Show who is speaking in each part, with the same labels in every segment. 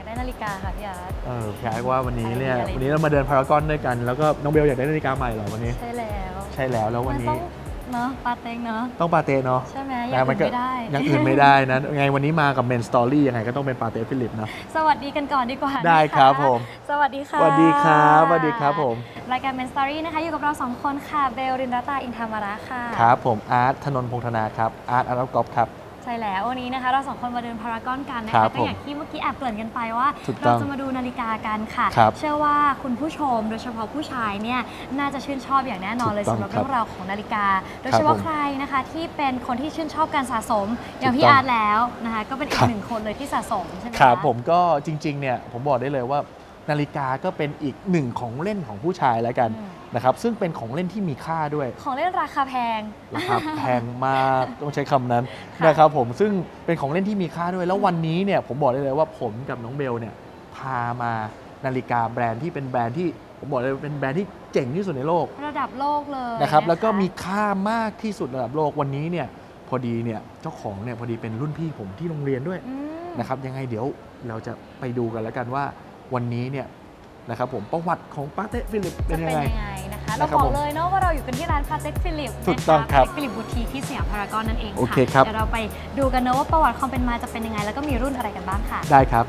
Speaker 1: ได้นาฬิกาค่ะพี่อาร์ต
Speaker 2: พี่อาร์ตว่าวันนี้เนี่ยวันนี้เรามาเดินพารากอนด้วยกันแล้วก็น้องเบลอยากได้นาฬิกาใหม่เหรอวันนี้
Speaker 1: ใช่แล้ว
Speaker 2: แล้ววันนี้
Speaker 1: เนาะปาเต็งเนาะ
Speaker 2: ต้องปาเต้เนาะ
Speaker 1: ใช่ไหมอย่างอื่นไม่ได้
Speaker 2: อย่างอื่นไม่ได้นะไงวันนี้มากับเมนสตอรี่ยังไงก็ต้องเป็นปาเต้ฟิลิปนะ
Speaker 1: สวัสดีกันก่อนดีกว่า
Speaker 2: ได้ครับผม
Speaker 1: สวัสดีค่ะ
Speaker 2: สวัสดีครับสวัสดีครับผม
Speaker 1: รายการเมนสตอรี่นะคะอยู่กับเรา2คนค่ะเบลรินรัตาอินทามาระค่ะ
Speaker 2: ครับผมอาร์ตธนนท์พงษ์ธนาครับอาร์ตกอล์ฟครับ
Speaker 1: ใช่แล้ววันนี้นะคะเรา2คนมาเดินพารากอนกันนะคะก็อย่างที่เมื่อกี้แอบเกริ่นกันไปว่าเราจะมาดูนาฬิกากันค่ะเชื่อว่าคุณผู้ชมโดยเฉพาะผู้ชายเนี่ยน่าจะชื่นชอบอย่างแน่นอนเลยสำหรับเรื่องราวของนาฬิกาโดยเฉพาะใครนะคะที่เป็นคนที่ชื่นชอบการสะสมอย่างพี่อาร์ตแล้วนะคะก็เป็นอีกหนึ่งคนเลยที่สะสมใช่ไหม
Speaker 2: ครับผมก็จริงๆเนี่ยผมบอกได้เลยว่านาฬิกาก็เป็นอีกหนึ่งของเล่นของผู้ชายแล้วกันนะครับซึ่งเป็นของเล่นที่มีค่าด้วย
Speaker 1: ของเล่นราคาแพง
Speaker 2: แพงมากต้องใช้คำนั้นนะครับผมซึ่งเป็นของเล่นที่มีค่าด้วยแล้ววันนี้เนี่ยผมบอกได้เลยว่าผมกับน้องเบลเนี่ยพามานาฬิกาแบรนด์ที่เป็นแบรนด์ที่ผมบอกเลยเป็นแบรนด์ที่เจ๋งที่สุดในโลก
Speaker 1: ระดับโลกเลย
Speaker 2: นะครับแล้วก็มีค่ามากที่สุดระดับโลกวันนี้เนี่ยพอดีเนี่ยเจ้าของเนี่ยพอดีเป็นรุ่นพี่ผมที่โรงเรียนด้วยนะครับยังไงเดี๋ยวเราจะไปดูกันแล้วกันว่าวันนี้เนี่ยนะครับผมประวัติของปาเต้ฟิลิปเป็นยังไง
Speaker 1: นะคะเราบอกเลยเนาะว่าเราอยู่กันที่ร้านปาเต้ฟิลิป
Speaker 2: ถูกต้องครับ
Speaker 1: ฟิลิปบูติกที่สยามพารากอนนั่นเอง
Speaker 2: โอเคครับ
Speaker 1: เดี๋ยวเราไปดูกันเนาะว่าประวัติความเป็นมาจะเป็นยังไงแล้วก็มีรุ่นอะไรกันบ้างค่ะ
Speaker 2: ได้ครับ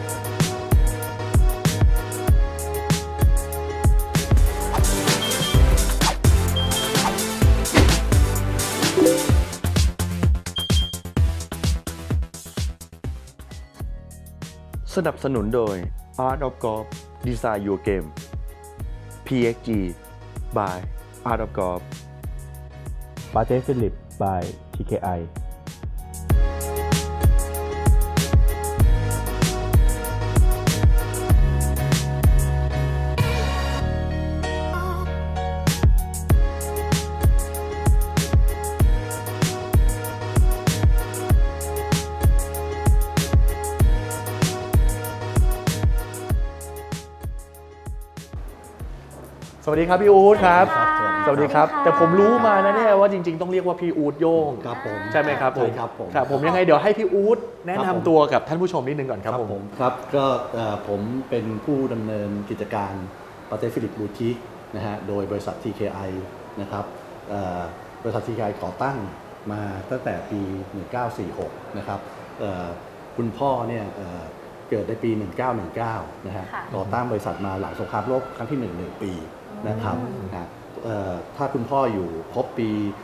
Speaker 3: สนับสนุนโดย Art of Golf Design Your Game PXG by Art of Golf
Speaker 2: ปาเต้ฟิลิป by TKIสวัสดีครับพี่อู๊ดครับสวัสดีครับแต่ผมรู้มานะเนี่ยว่าจริงๆต้องเรียกว่าพี่อู๊ดโย่ง
Speaker 4: ครับผม
Speaker 2: ใช่ไหมครับผม
Speaker 4: ครับ
Speaker 2: ผมยังไงเดี๋ยวให้พี่อู๊ดแนะนำตัวกับท่านผู้ชมนิดนึงก่อนครับผม
Speaker 4: ครับก็ผมเป็นผู้ดำเนินกิจการปาเต้ฟิลิปบูติกนะฮะโดยบริษัท TKI นะครับบริษัท TKI ก่อตั้งมาตั้งแต่ปี 1946 นะครับคุณพ่อเนี่ยเกิดในปี 1919 นะฮะก่อตั้งบริษัทมาหลังสงครามโลกครั้งที่1 ปีนะครับถ้าคุณพ่ออยู่ครบปี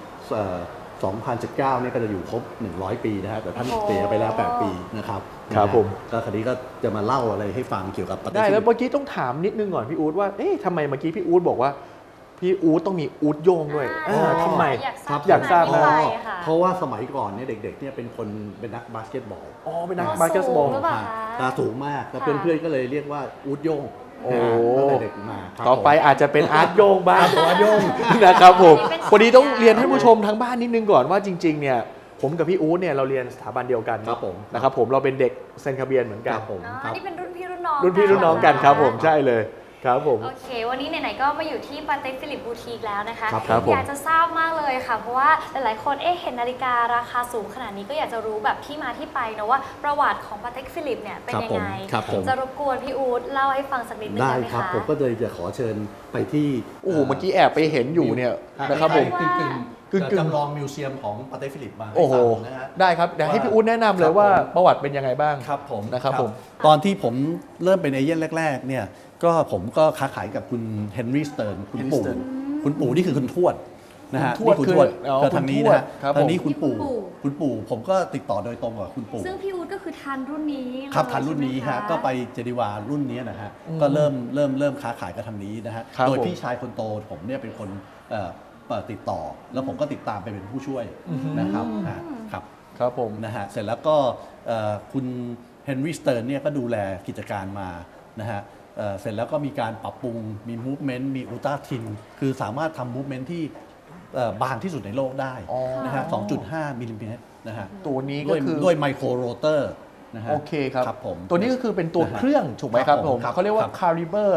Speaker 4: 2019 เนี่ยก็จะอยู่ครบ100 ปีนะฮะแต่ท่านเสียไปแล้ว8 ปีนะครับ
Speaker 2: ครับผม
Speaker 4: ก็คราวนี้ก็จะมาเล่าอะไรให้ฟังเกี่ยวกับ
Speaker 2: ได้แล้วเมื่อกี้ต้องถามนิดนึงก่อนพี่อู๊ดว่าเอ๊ะทำไมเมื่อกี้พี่อู๊ดบอกว่าพี่อู๊ดต้องมีอู๊ดโยงด้วยทำไมอยากทราบนะ
Speaker 4: เพราะว่าสมัยก่อนเนี่ยเด็กๆเนี่ยเป็นนักบาสเกตบอล
Speaker 2: เป็นนักบาสเกตบอล
Speaker 4: ตาสูงมากแล้วเพื่อนๆก็เลยเรียกว่าอู๊ดโยงก็เลยเด็กมา
Speaker 2: ต่อไปอาจจะเป็นอาร์ตโยงบ้างอาร์ตโยงนะครับผมพอดีต้องเรียนให้ผู้ชมทั้งบ้านนิดนึงก่อนว่าจริงๆเนี่ยผมกับพี่อู๊ดเนี่ยเราเรียนสถาบันเดียวกันนะครับผมเราเป็นเด็กเซนคาเบียนเหมือนกัน
Speaker 1: นี่เป็นรุ่นพี่รุ่นน้อง
Speaker 2: รุ่นพี่รุ่นน้องกันครับผมใช่เลยครับผม
Speaker 1: โอเควันนี้ไหนๆก็มาอยู่ที่ปาเต้ฟิลิปบูติกแล้วนะคะ
Speaker 2: ครับ
Speaker 1: อยากจะทราบมากเลยค่ะเพราะว่าหลายๆคนเห็นนาฬิการาคาสูงขนาดนี้ก็อยากจะรู้แบบที่มาที่ไปนะว่าประวัติของปาเต้ฟิลิปเนี่ยเป็นยังไงจะรบกวนพี่อู๊ดเล่าให้ฟังสักนิดนึงได้ไหมคะได้ครับ
Speaker 4: ผมก็เลยจะขอเชิญไปที่
Speaker 2: เมื่อกี้แอบไปเห็นอยู่เนี่ยนะครับผม
Speaker 4: จำลองมิวเซียมของปาเต้ฟิลิปมา
Speaker 2: โอ้โหได้ครับเดี๋ยวให้พี่อู๊ดแนะนำเลยว่าประวัติเป็นยังไงบ้าง
Speaker 4: ครับผม
Speaker 2: นะครับผม
Speaker 4: ตอนที่ผมเริ่มเป็นเอเย่นแรกๆเนี่ยก็ผมก็ค้าขายกับคุณเฮนรี่สเติร์นคุณปู่นี่คือคุณทวดนะฮะนี่คุณทวดก็ทางนี้นะทางนี้คุณปู่ผมก็ติดต่อโดยตรงกับคุณปู่
Speaker 1: ซึ่งพี่อู๊ดก็คือทันรุ่นนี้
Speaker 4: ครับทันรุ่นนี้ฮะก็ไปเจดีวารุ่นนี้นะฮะก็เริ่มค้าขายกับทางนี้นะฮะโดยพี่ชายคนโตผมเนี่ยเป็นคนติดต่อแล้วผมก็ติดตามไปเป็นผู้ช่วยนะครับ
Speaker 2: ครับผม
Speaker 4: นะฮะเสร็จแล้วก็คุณเฮนรี่สเติร์นเนี่ยก็ดูแลกิจการมานะฮะเสร็จแล้วก็มีการปรับปรุงมีมูฟเมนต์มีอุลตร้าทินคือสามารถทำมูฟเมนต์ที่บางที่สุดในโลกได้นะฮะ 2.5 มิลลิเมตรนะฮะ
Speaker 2: ตัวนี้ก็คือ
Speaker 4: ด้วยไมโครโรเตอร์นะฮะ
Speaker 2: โอเคครับ
Speaker 4: ผม
Speaker 2: ตัวนี้ก็คือเป็นตัวเครื่องถูกไหมครับผมเขาเรียกว่า Caliber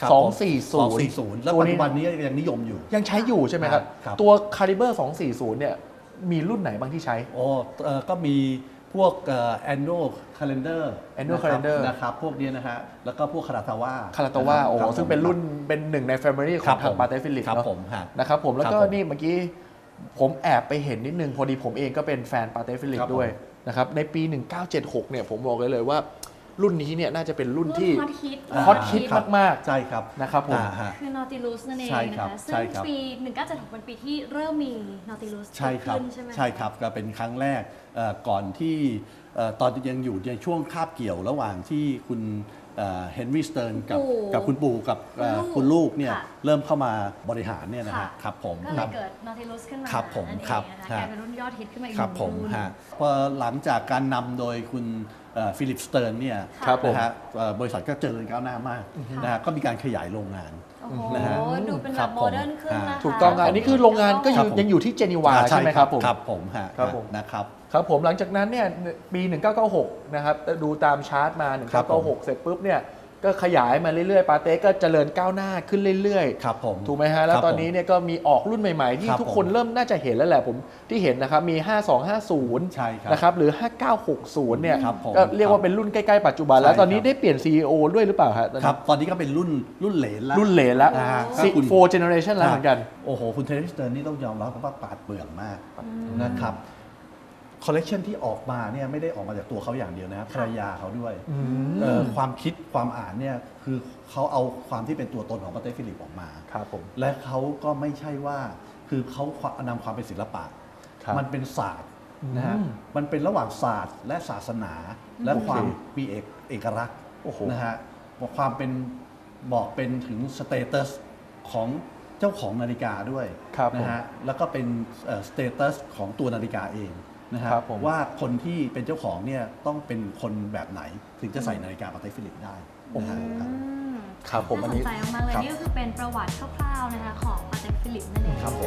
Speaker 2: 240
Speaker 4: แล้วปัจจุบันนี้ยังนิยมอยู่
Speaker 2: ยังใช้อยู่ใช่ไหมครับตัว Caliber 240เนี่ยมีรุ่นไหนบ้างที่ใช้
Speaker 4: ก็มีพวกannual calendar
Speaker 2: Annual Calendar
Speaker 4: นะครับพวกนี้นะฮะแล้วก็พวกคาราตาว่า
Speaker 2: คาราโตวาโอ้โหซึ่งเป็นรุ่นเป็นหนึ่งใน Family ของทางปาเต้ฟิลิป
Speaker 4: ครับ
Speaker 2: เนาะ
Speaker 4: ผมฮะ
Speaker 2: นะครับผมแล้วก็
Speaker 4: ครับผม
Speaker 2: นี่เมื่อกี้ผมแอบไปเห็นนิดนึงพอดีผมเองก็เป็นแฟนปาเต้ฟิลิป
Speaker 4: ครับผม
Speaker 2: ด้วยนะครับในปี 1976 เนี่ยผมบอกเลยว่ารุ่นนี้เนี่ยน่าจะเป็นรุ่นที่
Speaker 1: ฮอตฮิต
Speaker 2: ฮอตฮิตมาก
Speaker 4: ใช่ครับ
Speaker 2: ๆนะครับผม
Speaker 4: ฮะ
Speaker 1: คือ Nautilus นั่นเอง
Speaker 4: ใช่
Speaker 1: นะ
Speaker 4: ครั
Speaker 1: คะ
Speaker 4: บ
Speaker 1: ซึ่
Speaker 4: ใช่
Speaker 1: ง
Speaker 4: ครับ
Speaker 1: ปี 1976เป็นปีที่เริ่มมี Nautilus
Speaker 4: ใช่ครับ
Speaker 1: ขึ้นใช่ไหม
Speaker 4: ใช่ครับก็เป็นครั้งแรกก่อนที่ตอนยังอยู่ในช่วงคาบเกี่ยวระหว่างที่คุณเฮนรี่สเติร์นกับคุณปู่กับคุณลูกเนี่ย
Speaker 1: ค่ะ
Speaker 4: เริ่มเข้ามาบริหารเนี่ยนะ
Speaker 1: ค่ะ
Speaker 4: ฮะครับผม
Speaker 1: ก็เลยเกิด Nautilus ขึ้นมา
Speaker 4: ครับผม
Speaker 1: นั่นเอง
Speaker 4: ครับ
Speaker 1: นะคะกลายเป็นรุ่นยอดฮิตขึ้นมาอีก
Speaker 4: ครับ
Speaker 1: หนึ่ง
Speaker 4: ผม
Speaker 1: รุ่น
Speaker 4: ฮะพอหลังจากการนำโดยคุณฟิลิปสเติร์นเนี่ย
Speaker 2: ครับผม
Speaker 4: นะฮะบริษัทก็เจริญก้าวหน้ามากนะฮะก็มีการขยายโรงงาน
Speaker 1: โอ้โห
Speaker 4: นะฮะ
Speaker 1: ดูเป็น
Speaker 4: ค
Speaker 1: แบ
Speaker 4: รับบ
Speaker 1: โมเดิร์นขึ้นนะคะ
Speaker 2: ถูกต้องครับอันนี้คือโรงงานก็
Speaker 4: ครับผม
Speaker 2: ยังอยู่ที่เจนีวาใช่ไหมครับผม
Speaker 4: ครับผมฮะ
Speaker 2: ครับผม
Speaker 4: นะครับ
Speaker 2: ครับผมหลังจากนั้นเนี่ยปี 1996 นะครับดูตามชาร์ตมา
Speaker 4: ครับผม
Speaker 2: 1996 เสร็จปุ๊บเนี่ยก็ขยายมาเรื่อยๆปาเต้ก็เจริญก้าวหน้าขึ้นเรื่อยๆ
Speaker 4: ครับผม
Speaker 2: ถูกไหมฮะ แล้ว
Speaker 4: ครับ
Speaker 2: ตอนนี้เนี่ยก็มีออกรุ่นใหม่ๆ ที่
Speaker 4: ครับ
Speaker 2: ทุกคนเริ่มน่าจะเห็นแล้วแหละผมที่เห็นนะครับ มี 5250
Speaker 4: ใช่ครับ
Speaker 2: นะครับหรือ 5960 เนี่ย
Speaker 4: ครับผม
Speaker 2: ก็เรียกว่าเป็นรุ่นใกล้ๆ ปัจจุบัน
Speaker 4: ใช่
Speaker 2: แล้วตอนนี้
Speaker 4: ครับ
Speaker 2: ได้เปลี่ยน CEO ด้วยหรือเปล่าฮะตอน
Speaker 4: ครั
Speaker 2: นี้
Speaker 4: บตอนนี้ก็เป็นรุ่นเหลนแล้ว
Speaker 2: รุ่นเหลนแล้ว
Speaker 4: อ่า
Speaker 2: 4 generation แล้วเหมือนกัน
Speaker 4: โอ้โห คุณเทเลสเตอร์นี่ต้องยอมรับว่าปราดเปรื่องมากนะครับคอลเลกชันที่ออกมาเนี่ยไม่ได้ออกมาจากตัวเขาอย่างเดียวนะครับภรรยาเขาด้วยความคิดความอ่านเนี่ยคือเขาเอาความที่เป็นตัวตนของปาเต้ฟิลิปออกมา
Speaker 2: ครับผม
Speaker 4: และเขาก็ไม่ใช่ว่าคือเขานำความเป็นศิลปะ
Speaker 2: ครับ
Speaker 4: มันเป็นศาสตร์นะฮะ
Speaker 2: อืม
Speaker 4: มันเป็นระหว่างศาสตร์และศาสนา และ
Speaker 2: โอเค
Speaker 4: ความมีเอกลักษณ์
Speaker 2: โอ้โห
Speaker 4: นะฮะความเป็นบอกเป็นถึงสเตตัสของเจ้าของนาฬิกาด้วย
Speaker 2: ครับผม
Speaker 4: นะฮะแล้วก็เป็นสเตตัสของตัวนาฬิกาเองนะฮะ
Speaker 2: ครับผม
Speaker 4: ว่าคนที่เป็นเจ้าของเนี่ยต้องเป็นคนแบบไหนถึงจะใส่นาฬิกาปาเต้ฟิลิปได้นะฮะครับ
Speaker 2: ครับผมอัน
Speaker 1: น่าส
Speaker 2: นี้
Speaker 1: นใจมากๆเลย
Speaker 4: ครับ
Speaker 1: นี่ก็คือเป็นประวัติคร่าวๆนะคะของปาเต็กฟิลิปนั่นเอง
Speaker 4: ครับผม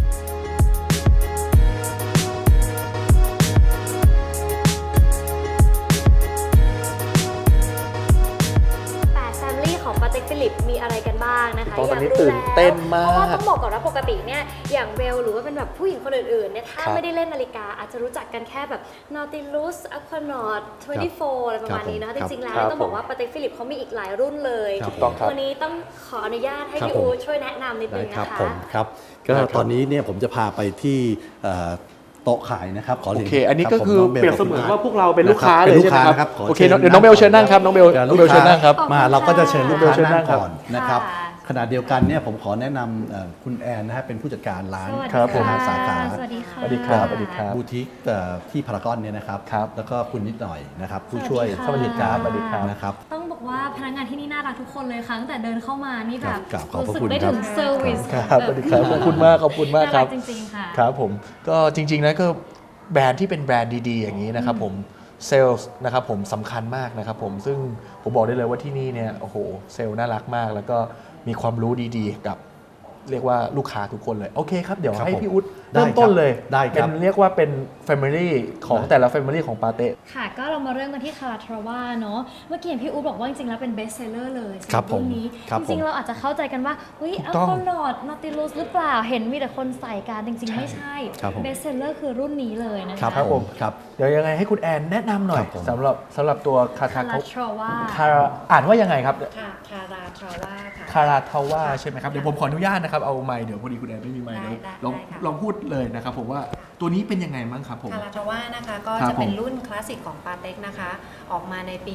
Speaker 1: แฟมิลี่ของปาเต็กฟิลิปมีอะไรกันบ้างนะคะ
Speaker 2: ตอนนี้
Speaker 1: ยากรู้
Speaker 2: ตื่นเต้นมาก
Speaker 1: เพราะว่าต้องบอกก่อนว่าปกติเนี่ยอย่างเบลหรือว่าเป็นแบบผู้หญิงคนอื่นๆเนี่ยถ้า
Speaker 2: ครับ
Speaker 1: ไม่ได้เล่นนาฬิกาอาจจะรู้จักกันแค่แบบ Nautilus Aquanaut 24 อะไรประมาณนี้นะคะจริงๆแล้ว
Speaker 2: ครับ
Speaker 1: ต้องบอกว่าปาเต็กฟิลิปเขามีอีกหลายรุ่นเลย
Speaker 4: ครับ
Speaker 2: ถูกต้องครับ
Speaker 1: วันนี้ต้องขออนุญาตให้
Speaker 4: ครับ
Speaker 1: พี่
Speaker 4: ผม
Speaker 1: อู๊ดช่วยแนะนำนิดนึ
Speaker 4: ได้
Speaker 1: ง
Speaker 4: ครับ
Speaker 1: นะคะ
Speaker 4: ผมครับก็ตอนนี้เนี่ยผมจะพาไปที่โต๊ะขายนะครับขอ
Speaker 2: โอ
Speaker 4: รียน
Speaker 2: เค อันนี้
Speaker 4: รับ
Speaker 2: ก็
Speaker 4: ผม
Speaker 2: คือ
Speaker 4: น้งบล
Speaker 2: เปรียบเสมือนว่าพวกเราเป็นลูก
Speaker 4: ะรับ
Speaker 2: ค้าเลย
Speaker 4: ป็น
Speaker 2: ใช่ไหมครับ
Speaker 4: ข
Speaker 2: โอเคเดี๋ยวน้องเบลเชิญนั่งครับน้องเบล
Speaker 4: ดี๋ยว
Speaker 2: น้องเบลเชิญนั่งครับ
Speaker 1: ขอบคุณ
Speaker 4: มาเราก็จะเชิญลูกค้า
Speaker 2: เชิญนั่
Speaker 4: นั่
Speaker 2: ง
Speaker 4: ง
Speaker 2: ครับ
Speaker 4: ก่อนนะครับ
Speaker 1: ค่ะ
Speaker 4: ขณะเดียวกันเนี่ยผมขอแนะนำคุณแอนนะฮะเป็นผู้จัดการร้าน
Speaker 1: สวัสดี
Speaker 2: ครับผม
Speaker 1: ค่ะ
Speaker 4: สาขา
Speaker 1: สวัสดีค่ะ
Speaker 2: สวัสดีครับสวัสดีครับ
Speaker 4: บูติกที่พารากอนเนี่ยนะครับ
Speaker 2: ครับ
Speaker 4: แล้วก็คุณนิดหน่อยนะครับผู้ช่วย
Speaker 1: สวัสดีค่ะ
Speaker 2: สวัสดีครับ
Speaker 4: นะครับ
Speaker 1: ต้องบอกว่าพนักงานที่นี่น่ารักทุกคนเลยค่ะตั้งแต่เดินเข้ามานี่แบบ
Speaker 4: ครับขอบพระ
Speaker 1: รู้สึก
Speaker 4: คุณ
Speaker 1: ได้
Speaker 4: ครั
Speaker 1: ถึ
Speaker 4: บ
Speaker 1: งเซอร์วิส
Speaker 2: ครับสวัสดีครับขอบคุณมากขอบคุณมากครับ
Speaker 1: น่รัจริงๆค่ะ
Speaker 2: ครับผมก็จริงๆนะก็แบรนด์ที่เป็นแบรนด์ดีๆ อย่างนี้นะครับผมเซลล์นะครับผมสำคัญมากนะครับผมซึ่งผมบอกได้เลยว่าที่นี่เนี่ยโอ้โหเซลล์น่ารักมาก แล้วก็มีความรู้ดีๆกับเรียกว่าลูกค้าทุกคนเลยโอเคครับเดี๋ยว
Speaker 4: ครับ
Speaker 2: ให้
Speaker 4: ผม
Speaker 2: พี่อุ๊ด
Speaker 4: ได้
Speaker 2: เริ่มต้นเลย
Speaker 4: ได้ครับ
Speaker 2: เป็นเรียกว่าเป็น Family ของ
Speaker 4: ได้
Speaker 2: แต่ละ Family ของปาเต้
Speaker 1: ค่ะก็เรามาเริ่มกันที่คาราทราว่าเนาะเมื่อกี้เห็นพี่อู๊ดบอกว่าจริงๆแล้วเป็นเบสเซลเลอร์เลย
Speaker 4: ครับผม
Speaker 1: รุ่นนี้
Speaker 4: ครับ
Speaker 1: จริง
Speaker 4: ผม
Speaker 1: ๆเราอาจจะเข้าใจกันว่าเฮ้ย
Speaker 2: ถู
Speaker 1: อั
Speaker 2: กต้อง
Speaker 1: ลโคลอดนอติลูสหรือเปล่าเห็นมีแต่คนใส่กันจริงๆไม่ใช่
Speaker 4: ครับผม
Speaker 1: เบสเซลเลอร์คือรุ่นนี้เลยนะคะ
Speaker 2: ครับผม
Speaker 4: ครับ
Speaker 2: เดี๋ยวยังไงให้คุณแอนแนะนำหน่อย
Speaker 4: ครับผม
Speaker 2: สำหรับตัวคา
Speaker 1: คา
Speaker 2: ทา
Speaker 1: ราทราว่า
Speaker 2: คาราอ่านว่ายังไงครับ
Speaker 1: ค่ะคาราทราว่าค่ะ
Speaker 2: คาราทาว่าใช่ไหมครับเดี๋ยวผมขออนุญาตนะครับเอาไมค์เดี๋ยวพอดีคุณแอนไม่มีไมค์
Speaker 1: ได้
Speaker 2: เลย
Speaker 1: ได้
Speaker 2: ลอง
Speaker 1: ได้ค่ะ
Speaker 2: ลองพูดเลยนะครับผมว่าตัวนี้เป็นยังไงมั้งครับผม
Speaker 5: คาราทาว่านะคะก็
Speaker 2: ครับ
Speaker 5: จะเป็น
Speaker 2: ผม
Speaker 5: รุ่นคลาสสิกของปาเต็กนะคะ ออกมาในปี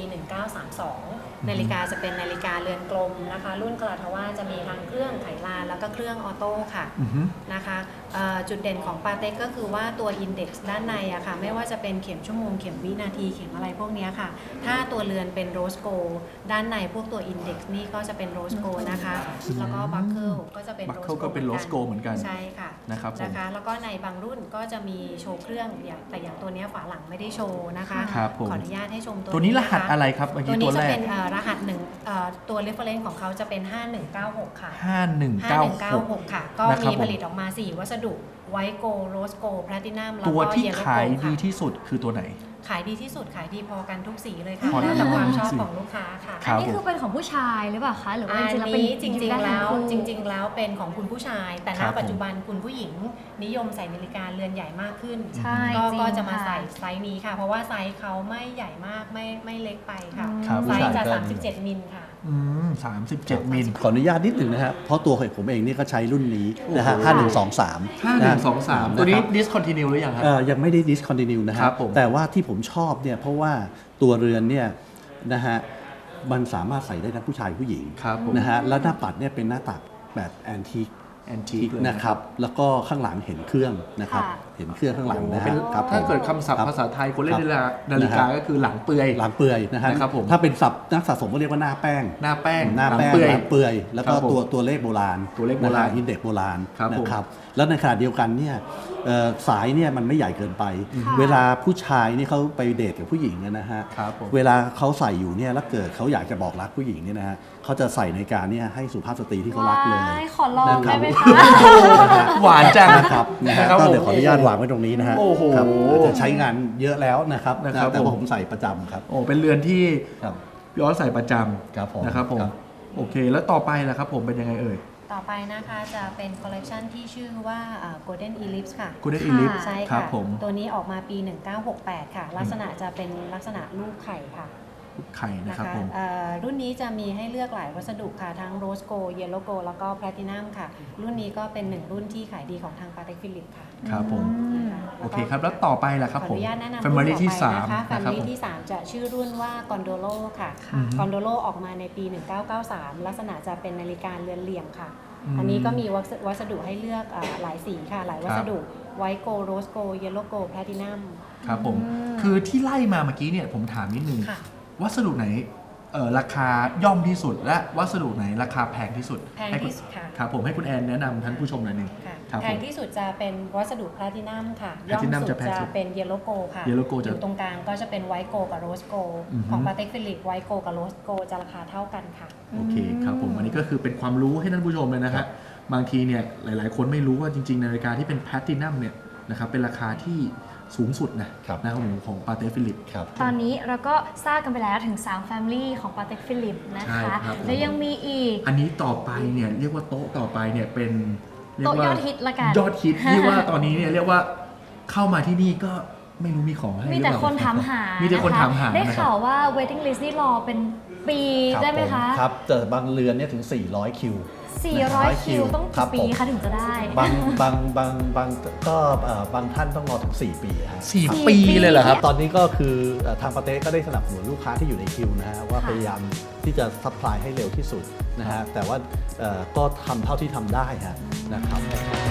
Speaker 5: 1932 นาฬิกาจะเป็นนาฬิกาเรือนกลมนะคะ รุ่นคาราทาว่าจะมีทั้งเครื่องไขลานแล้วก็เครื่องออโต้ค่ะ
Speaker 2: อือฮึ
Speaker 5: นะคะจุดเด่นของปาเต็กก็คือว่าตัวอินเด็กซ์ด้านในอะค่ะไม่ว่าจะเป็นเข็มชั่วโมงเข็มวินาทีเข็มอะไรพวกเนี้ยค่ะ ถ้าตัวเรือนเป็นโรสโกด้านในพวกตัวอินเด็กซ์นี่ก็จะเป็นโรสโกนะคะ แล้วก็บัคเกิลก็จะเป็น
Speaker 2: Buckle ก็เป็น Rose Gold เหมือนกัน
Speaker 5: ใช่ค่ะ
Speaker 2: นะครับผม
Speaker 5: นะคะแล้วก็ในบางรุ่นก็จะมีโชว์เครื่องแต่อย่างตัวเนี้ยฝาหลังไม่ได้โชว์นะคะ
Speaker 2: ครับผม
Speaker 5: ขออนุญาตให้ชม
Speaker 2: ตัวนี้รหัส
Speaker 5: ค
Speaker 2: อะไรครับเมื่อ
Speaker 5: ตั
Speaker 2: กี้
Speaker 5: ว
Speaker 2: ตั
Speaker 5: นี้
Speaker 2: ว
Speaker 5: จะ
Speaker 2: แร
Speaker 5: เป็
Speaker 2: ก
Speaker 5: นรหัสหนึ่งตัว reference ของเขาจะเป็น 5196 ค่ะ
Speaker 2: 5196
Speaker 5: 5196 ค่ะ ก็
Speaker 2: นะครับ
Speaker 5: มี
Speaker 2: ผม
Speaker 5: ผลิตออกมา 4 วัสดุไวท์โกลด์โรสโกลด์แพลตินัมแล้ว
Speaker 2: ตัว
Speaker 5: ก็
Speaker 2: ที่
Speaker 5: เยลโล่
Speaker 2: ขาย
Speaker 5: โกลด์
Speaker 2: ดี
Speaker 5: ค่ะ
Speaker 2: ที่สุดคือตัวไหน
Speaker 5: ขายดีที่สุดขายดีพอกันทุกสีเลยค่ะ
Speaker 2: พอกัน
Speaker 5: แล้วแต่ความ
Speaker 2: ทุก
Speaker 5: ชอบ
Speaker 2: สี
Speaker 5: ของลูกค้าค่ะ
Speaker 2: ครับ
Speaker 1: นี่คือเป็นของผู้ชายหรือเปล่าคะหรือว่า
Speaker 5: อัน
Speaker 1: จริงๆแล้วเป็น
Speaker 5: นี้จริงๆแล้ว
Speaker 1: ทั้คู่
Speaker 5: จริง ๆ แล้วเป็นของคุณผู้ชาย แต่ณ
Speaker 2: ครับ
Speaker 5: ปัจจุบันคุณผู้หญิงนิยมใส่นาฬิกาเรือนใหญ่มากขึ้น
Speaker 1: ใช่
Speaker 5: ก็
Speaker 1: จริง
Speaker 5: ก็จะมา
Speaker 1: ค่ะ
Speaker 5: ใส่ไซส์นี้ค่ะ เพราะว่าไซส์เขาไม่ใหญ่มากไม่เล็กไปค่ะ
Speaker 2: ครับ
Speaker 5: ไซส์จะ
Speaker 4: ผู้ชายก็
Speaker 5: 37 มิลค่ะ
Speaker 2: 37 มิล
Speaker 4: ขออนุญาตนิดหนึ่งนะฮะเพราะตัวผมเองนี่ก็ใช้รุ่นนี้นะฮะ
Speaker 2: โอ้โห
Speaker 4: 5123
Speaker 2: 5123 ตัวนี้ discontinue หรือยังครับ
Speaker 4: ยังไม่ได้ discontinue นะ
Speaker 2: ค
Speaker 4: ค
Speaker 2: รั
Speaker 4: รั
Speaker 2: บบ ผม
Speaker 4: แต่ว่าที่ผมชอบเนี่ยเพราะว่าตัวเรือนเนี่ยนะฮะมันสามารถใส่ได้ทั้งผู้ชายผู้หญิง
Speaker 2: ครับผม
Speaker 4: นะฮะแล้วหน้าปัดเนี่ยเป็นหน้าตัดแบบแอนทิค
Speaker 2: แอนทีคเลย
Speaker 4: นะครับแล้วก็ข้างหลังเห็นเครื่องนะครับ
Speaker 1: ค่ะ
Speaker 4: เห็นเครื่องข้างหลังนะ
Speaker 2: เป็
Speaker 4: ฮะ
Speaker 2: น
Speaker 4: ครับ
Speaker 2: ถ้าเกิด
Speaker 4: ผม
Speaker 2: คำศัพท์
Speaker 4: ครับ
Speaker 2: ภาษาไทยคนเล่น
Speaker 4: ครับ
Speaker 2: นาฬิกา
Speaker 4: นะฮะ
Speaker 2: ก็คือหลังเปลือย
Speaker 4: หลังเปื่อยนะฮะ
Speaker 2: นะครับผม
Speaker 4: ถ้าเป็นศัพท์นักสะสมก็เรียกว่าหน้าแป้ง
Speaker 2: หน้าแป้ง
Speaker 4: หน้าแป้ง
Speaker 2: เปลือย
Speaker 4: หลังเปื่อยแล้วก็
Speaker 2: ครับผม
Speaker 4: ตัวเลขโบราณ
Speaker 2: ตัวเลขโบราณ
Speaker 4: อินเด็กโบราณ
Speaker 2: ครับผม
Speaker 4: นะครับแล้วในขณะเดียวกันเนี่ยสายเนี่ยมันไม่ใหญ่เกินไป
Speaker 1: ค่ะ
Speaker 4: เวลาผู้ชายนี่เขาไปเดทกับผู้หญิงนะฮะ
Speaker 2: ครับผม
Speaker 4: เวลาเขาใส่อยู่เนี่ยแล้วเกิดเขาอยากจะบอกรักผู้หญิงเนี่ยนะฮะเขาจะใส่นาฬิกาเนี่ยให้สุภาพสตรีที่เขารักเลย
Speaker 1: ว้ายขอลอง
Speaker 4: นะครั
Speaker 1: ได้
Speaker 4: บ
Speaker 1: ไหมคะ
Speaker 2: หวานจัง
Speaker 4: นะครับนะฮะ
Speaker 2: ครับ
Speaker 4: ก็
Speaker 2: ผม
Speaker 4: เดี๋ยวขออนุญาตวางไว้ตรงนี้นะฮะ
Speaker 2: โอ้โห
Speaker 4: ครับอาจจะใช้งานเยอะแล้วนะครับ
Speaker 2: นะครับ
Speaker 4: แต่ว่า
Speaker 2: ผม
Speaker 4: ผมใส่ประจำครับ
Speaker 2: โอ้เป็นเรือนที่
Speaker 4: ครับ
Speaker 2: ย้อนใส่ประจ
Speaker 4: ครับผม
Speaker 2: ำนะครับผม
Speaker 4: ครับ
Speaker 2: โอเค แล้วต่อไปล่ะครับผมเป็นยังไงเอ่ย
Speaker 5: ต่อไปนะคะจะเป็นคอลเลกชันที่ชื่อว่า Golden Ellipse ค่ะ
Speaker 2: Golden
Speaker 1: ค่ะ
Speaker 2: Ellipse
Speaker 5: ใช่
Speaker 2: ครั
Speaker 5: ค่ะ
Speaker 2: บผม
Speaker 5: ตัวนี้ออกมาปี 1968 ค่ะ ลักษณะจะเป็นลักษณะลูกไข่ค่ะ
Speaker 2: ไข่นะ
Speaker 5: นะครับ คะ
Speaker 2: ผม
Speaker 5: รุ่นนี้จะมีให้เลือกหลายวัสดุค่ะ ทั้งโรสโก เยลโลโก แล้วก็แพลตินัมค่ะ รุ่นนี้ก็เป็นหนึ่งรุ่นที่ขายดีของทางปาเต็กฟิลิปค่ะ
Speaker 2: ครับผม
Speaker 1: อืม
Speaker 2: โอเคครับ แล้วต่อไปล่ะครับ
Speaker 5: ขอ
Speaker 2: ผ
Speaker 5: อ
Speaker 2: ม
Speaker 5: นุญาตแนะนำ
Speaker 2: Family
Speaker 5: รุ่น
Speaker 2: ที่
Speaker 5: ต่อไปนะคะ
Speaker 2: 3นะครับ
Speaker 5: Family
Speaker 2: ผม
Speaker 5: ที่ 3 จะชื่อรุ่นว่า Gondolo ค่ะ
Speaker 2: อือฮึ
Speaker 5: Gondolo ออกมาในปี 1993 ลักษณะจะเป็นนาฬิกาเรือนเหลี่ยมค่ะ
Speaker 2: อืม
Speaker 5: อันนี้ก็มีวัสดุให้เลือกหลายสีค่ะ หลายวัสดุไวท์โกลด์โรสโกลด์เยลโลโกลด์แพลตินัม
Speaker 2: ครับผม
Speaker 1: อืม
Speaker 2: คือที่ไล่มาเมื่อกี้เนี่ยผมถามนิดนึง
Speaker 5: ค่ะ
Speaker 2: วัสดุไหนราคาย่อมที่สุด และวัสดุไหนราคาแพงที่สุด
Speaker 5: แพง
Speaker 2: ให้คุณ
Speaker 5: ที่สุดค่ะ
Speaker 2: ครับผมให้คุณแอนแนะนำท่านผู้ชมหน่อยหนึ่ง
Speaker 5: ค่ะ
Speaker 2: ครับ
Speaker 5: แพ
Speaker 2: ผ
Speaker 5: ง
Speaker 2: ม
Speaker 5: ที่สุดจะเป็นวัสดุแพลตินัมค่ะ ย่อม
Speaker 2: Platinum
Speaker 5: สุ
Speaker 2: จะ
Speaker 5: ด
Speaker 2: แพง
Speaker 5: จะ
Speaker 2: สุด
Speaker 5: เป็นเยลโลโกค่ะ
Speaker 2: Yellow Gold
Speaker 5: อยู่ตรงกลางก็จะเป็นไวท์โกลกับโรสโกล
Speaker 2: อือฮึ
Speaker 5: ของปาเต็กฟิลิปไวท์โกลกับโรสโกลจะราคาเท่ากันค่ะ
Speaker 2: โอเคครับผมอันนี้ก็คือเป็นความรู้ให้ท่านผู้ชมเลยนะฮะบางทีเนี่ยหลายๆ คนไม่รู้ว่าจริงๆนาฬิกาที่เป็นแพลตินัมเนี่ยนะครับเป็นราคาที่สูงสุดนะครับนะครับผมของปาเต้ฟิลิป
Speaker 4: ครับ
Speaker 1: ตอนนี้เราก็ทราบกันไปแล้วถึง 3 Family ของ Patek Philippe นะ
Speaker 2: ใช่
Speaker 1: คะ
Speaker 2: ครับผม
Speaker 1: และยังมีอีก
Speaker 2: อันนี้ต่อไปเนี่ยเรียกว่าโต๊ะต่อไปเนี่ยเป็นเรีกว่า
Speaker 1: โต๊ะยอดฮิตละกัน
Speaker 2: ยอดฮิตที่ว่าตอนนี้เนี่ยเรียกว่าเข้ามาที่นี่ก็ไม่รู้มีของให้
Speaker 1: มี
Speaker 2: หรือ
Speaker 1: แต่
Speaker 2: เปล่า
Speaker 1: คนถามหา
Speaker 2: มีแต่คนถามหา
Speaker 1: ได้
Speaker 2: นะครับ
Speaker 1: ข่าวว่า waiting list นี่รอเป็นปี
Speaker 4: ครับ
Speaker 1: ได้ไหมคะ
Speaker 4: ผครับแต่บางเรือนเนี่ยถึง 400 คิว
Speaker 1: 400 คิวต้อง
Speaker 4: ครั
Speaker 1: กี่
Speaker 4: บ
Speaker 1: ปี
Speaker 4: ผม
Speaker 1: คะถึงจะได้
Speaker 4: บางก็บางท่านต้องรอถึง 4 ปีฮะ
Speaker 2: สี่ปีเลยเหรอครับ
Speaker 4: ตอนนี้ก็คือทางปาเต้ก็ได้สนับสนุนลูกค้าที่อยู่ในคิวนะฮะว่า
Speaker 1: ค่ะ
Speaker 4: พยายามที่จะซัพพลายให้เร็วที่สุดนะฮะแต่ว่าก็ทำเท่าที่ทำได้ฮะนะครับ